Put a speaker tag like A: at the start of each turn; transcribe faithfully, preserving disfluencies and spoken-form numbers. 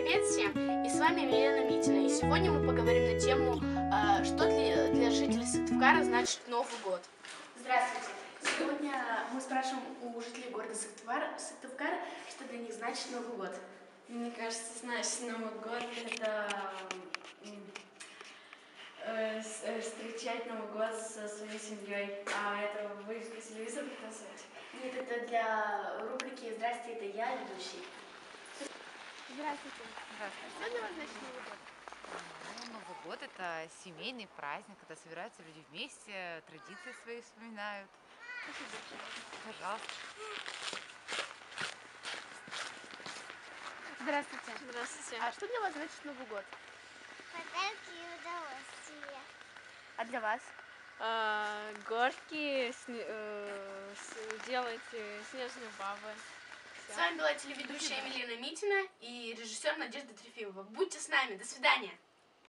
A: Привет всем! И с вами Елена Митина. И сегодня мы поговорим на тему, э, что для, для жителей Сыктывкара значит Новый год. Здравствуйте! Сегодня мы спрашиваем у жителей города Сыктывкар, Сыктывкар, что для них значит Новый год.
B: Мне кажется, значит, Новый год это э, встречать Новый год со своей семьей, а это вывеску телевизора показывать.
A: Нет, это для рубрики «Здрасте, это я, ведущий».
C: Здравствуйте.
D: Здравствуйте.
C: Что для вас значит Новый год?
D: Ну, Новый год – это семейный праздник, когда собираются люди вместе, традиции свои вспоминают. Пожалуйста.
C: Здравствуйте.
B: Здравствуйте.
C: А что для вас значит Новый год?
E: Подарки и удовольствия.
C: А для вас?
B: А, горки, сне, э, с, делать э, снежные бабы.
A: С вами была телеведущая Елена Митина и режиссер Надежда Трефимова. Будьте с нами. До свидания.